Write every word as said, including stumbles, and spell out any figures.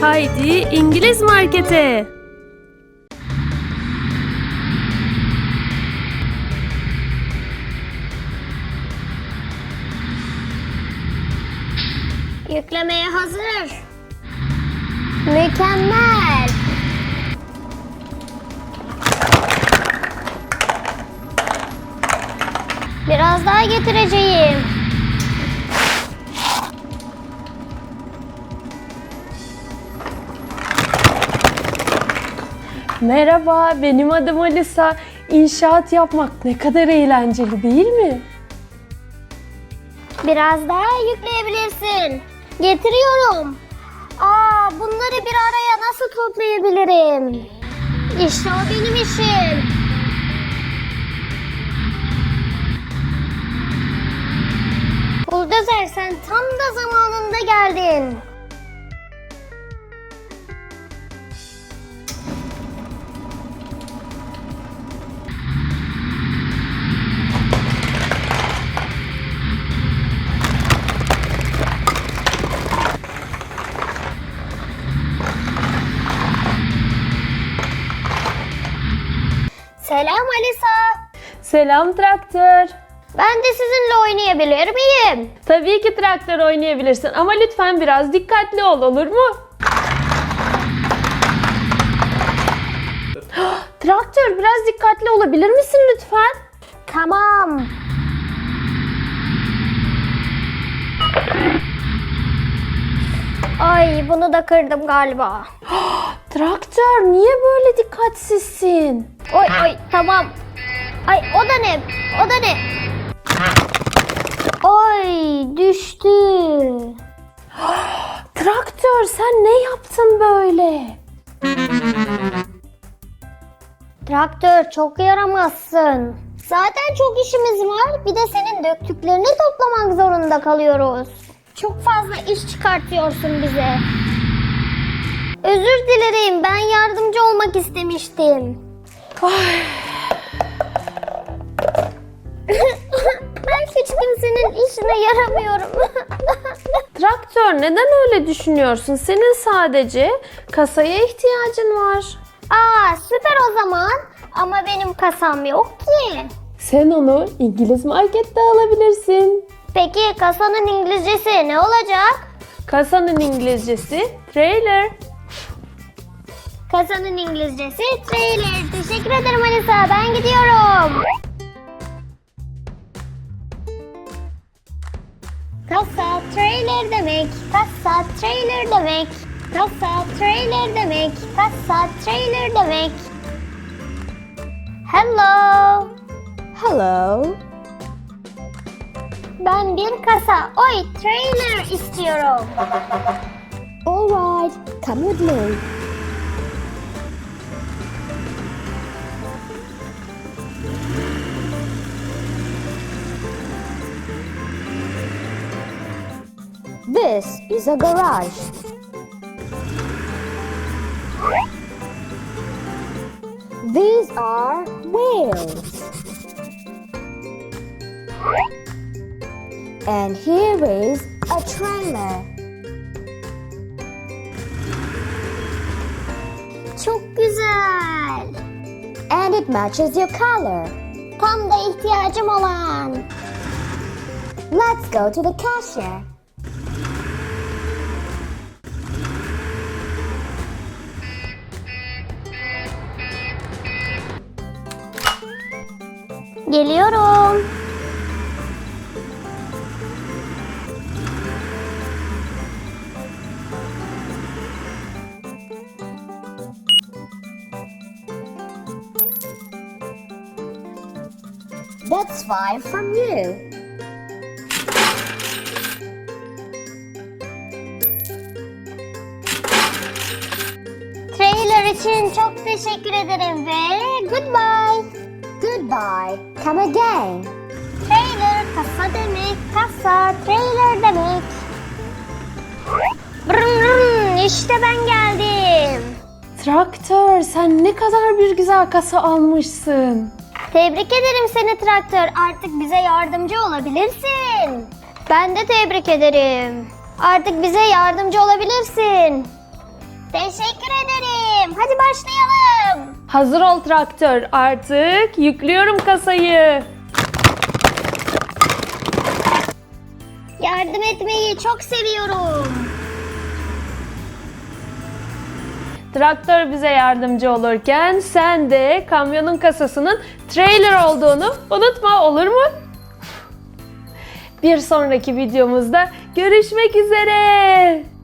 Haydi İngiliz markete. Yüklemeye hazır. Mükemmel. Biraz daha getireceğim. Merhaba, benim adım Alisa. İnşaat yapmak ne kadar eğlenceli değil mi? Biraz daha yükleyebilirsin. Getiriyorum. Aa, bunları bir araya nasıl toplayabilirim? İşte o benim işim. Buldozer, sen tam da zamanında geldin. Selam Alisa. Selam traktör. Ben de sizinle oynayabilir miyim? Tabii ki traktör oynayabilirsin ama lütfen biraz dikkatli ol, olur mu? Traktör, biraz dikkatli olabilir misin lütfen? Tamam. Ay, bunu da kırdım galiba. Traktör, niye böyle dikkatsizsin? Oy oy, tamam. Ay, o da ne? O da ne? Oy, düştü. Traktör, sen ne yaptın böyle? Traktör, çok yaramazsın. Zaten çok işimiz var. Bir de senin döktüklerini toplamak zorunda kalıyoruz. Çok fazla iş çıkartıyorsun bize. Özür dilerim. Ben yardımcı olmak istemiştim. Ben hiç kimsenin işine yaramıyorum. Traktör, neden öyle düşünüyorsun? Senin sadece kasaya ihtiyacın var. Aa, süper o zaman. Ama benim kasam yok ki. Sen onu İngiliz markette alabilirsin. Peki kasanın İngilizcesi ne olacak? Kasanın İngilizcesi trailer. Kasanın İngilizcesi trailer. Teşekkür ederim Alisa. Ben gidiyorum. Kasa trailer demek. Kasa trailer demek. Kasa trailer demek. Kasa trailer demek. Hello. Hello. Ben bir kasa, oy trailer istiyorum. All right, come with me. This is a garage. These are wheels. And here is a trailer. Çok güzel. And it matches your color. Tam da ihtiyacım olan. Let's go to the cashier. Geliyorum. That's five from you. Trailer için çok teşekkür ederim ve goodbye. Goodbye. Come again. Trailer kasa demek, kasa trailer demek. Brrrr, brrrr, işte ben geldim. Traktör, sen ne kadar bir güzel kasa almışsın. Tebrik ederim seni traktör. Artık bize yardımcı olabilirsin. Ben de tebrik ederim. Artık bize yardımcı olabilirsin. Teşekkür ederim. Hadi başlayalım. Hazır ol traktör. Artık yüklüyorum kasayı. Yardım etmeyi çok seviyorum. Traktör bize yardımcı olurken sen de kamyonun kasasının trailer olduğunu unutma, olur mu? Bir sonraki videomuzda görüşmek üzere.